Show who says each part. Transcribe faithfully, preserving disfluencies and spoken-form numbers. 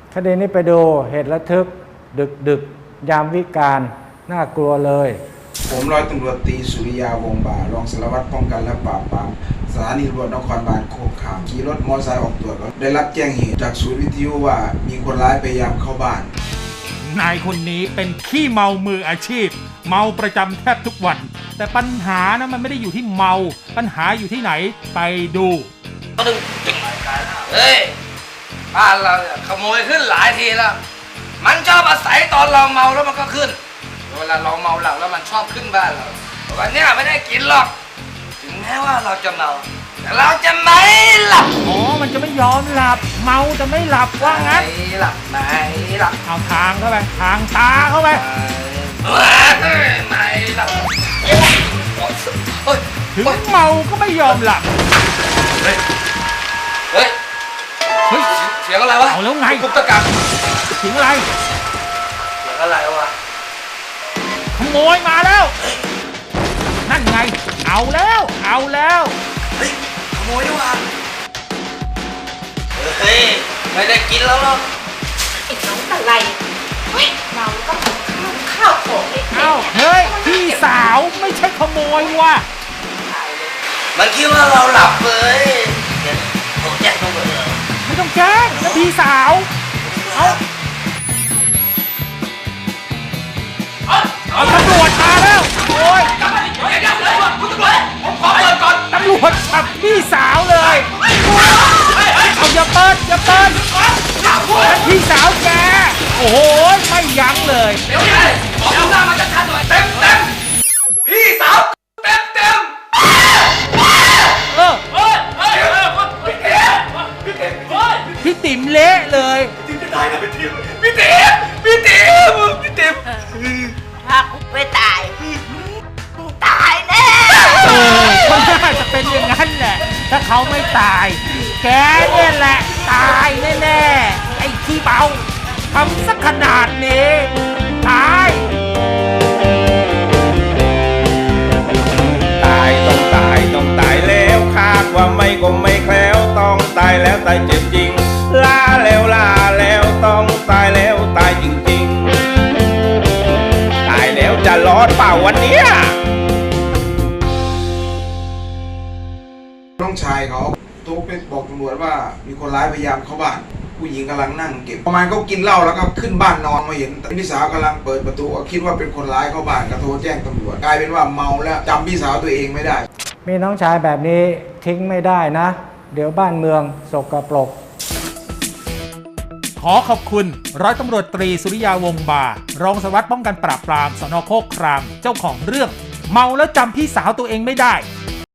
Speaker 1: คดีนี้ไปดูเหตุระทึกดึกดึกยามวิกาลน่ากลัวเลย
Speaker 2: ผมร้อยตำรวจตรีสุริยาวงศ์บ่ารองสารวัตรป้องกันและปราบปรามสถานีตำรวจนครบาลโคกขามขี่รถมอเตอร์ไซค์ออกตรวจได้รับแจ้งเหตุจากศูนย์วิทยุว่ามีคนร้ายพยายามเข้าบ้าน
Speaker 3: นายคนนี้เป็นขี้เมามืออาชีพเมาประจำแทบทุกวันแต่ปัญหานะมันไม่ได้อยู่ที่เมาปัญหาอยู่ที่ไหนไปดู
Speaker 4: เฮ้ยบ้านเราเนี่ยขโมยขึ้นหลายทีแล้วมันชอบอาศัยตอนเราเมาแล้วมันก็ขึ้นเวลาเราเมาหลังแล้วมันชอบขึ้นบ้านเราวันนี้ไม่ได้กินหรอกถึงแม้ว่าเราจะเมาแต่เราจะไม่หลับ
Speaker 3: อ๋อมันจะไม่ยอมหลับเมาจะไม่หลับว่างั้น
Speaker 4: ไม่หลับไม่หลับ
Speaker 3: เอาทางเข้าไปทางตาเข้าไป
Speaker 4: ไม่หลับ
Speaker 3: ถึงเมาก็ไม่ยอมหลับ
Speaker 4: เฮ้ยเฮ้ยเฮ้ยเสียงอะไรวะ
Speaker 3: เอาแล้วไง
Speaker 4: กุ๊กตะกัก
Speaker 3: เสียงอะไร
Speaker 4: เสียงอะไรวะ
Speaker 3: ขโมยมาแล้วนั่นไงเอาแล้วเอาแล้ว
Speaker 4: เฮ้ยขโมยด้วยเฮ้ยไม่ได้กินแล้วหรอก
Speaker 5: ไอ้น้องอะไรเฮ้ยเมาก็ข้าวของเล็กๆ
Speaker 3: เอ้าเฮ้ยพี่สาวไม่ใช่ขโมยว่ะ
Speaker 4: มันคิดว่าเราหลับเลยเดี๋ยวโทรแจ้งตำรวจเลย
Speaker 3: ไม่ต้องแจ้งนะพี่สาวเอาเอาตำรวจมาแล้วโอ้ย
Speaker 4: เดี๋ยวเดี๋ยวเดี๋ยวคุณตำรวจผมขอเปิดก่อน
Speaker 3: ตำรวจจับพี่สาวเลยเอาอย่าเปิดอย่าเปิดพี่สาวแกโอ้โหไม่ยั้งเลย
Speaker 4: เดี๋ยวนี้บอกหน้ามาชัดๆหน่อยเต็มเต็มพี่สาวเต็มเต็ม
Speaker 3: เออ
Speaker 4: เฮ้ยเฮ้ยพี่เต๋อพี่เต๋อ
Speaker 3: พี่ติ๋มเละเลย
Speaker 4: พี่ติ๋มจะตายนะพี่ติ๋มพี่เต๋อพี่เต๋อพี่เต๋อ
Speaker 5: ถ้ากูไม่ตายตายแน่
Speaker 3: เออมันน่าจะเป็นอย่างนั้นแหละถ้าเขาไม่ตายแกเนี่ยแหละตายแน่ๆไอ้ขี้เมาทำสักขนาดนี้ตาย
Speaker 6: ตายต้องตายต้องตายแล้วคาดว่าไม่ก็ไม่แคล้วต้องตายแล้วตายเจ็บจริงลาแล้วลาแล้วต้องตายแล้วตายจริงๆตายแล้วจะรอดเปล่าวันเนี้ย
Speaker 2: น้องชายเขาโทรไปบอกตำรวจว่ามีคนร้ายพยายามเข้าบ้านผู้หญิงกำลังนั่งเก็บประมาณเขากินเหล้าแล้วก็ขึ้นบ้านนอนมาเห็นพี่สาวกำลังเปิดประตูก็คิดว่าเป็นคนร้ายเข้าบ้านก็โทรแจ้งตำรวจกลายเป็นว่าเมาแล้วจำพี่สาวตัวเองไม่ได้
Speaker 1: มีน้องชายแบบนี้ทิ้งไม่ได้นะเดี๋ยวบ้านเมืองสกปรก
Speaker 3: ขอขอบคุณร้อยตำรวจตรีสุริยาวงศ์บารองสารวัตรป้องกันปราบปรามสน.โคกครามเจ้าของเรื่องเมาแล้วจำพี่สาวตัวเองไม่ได้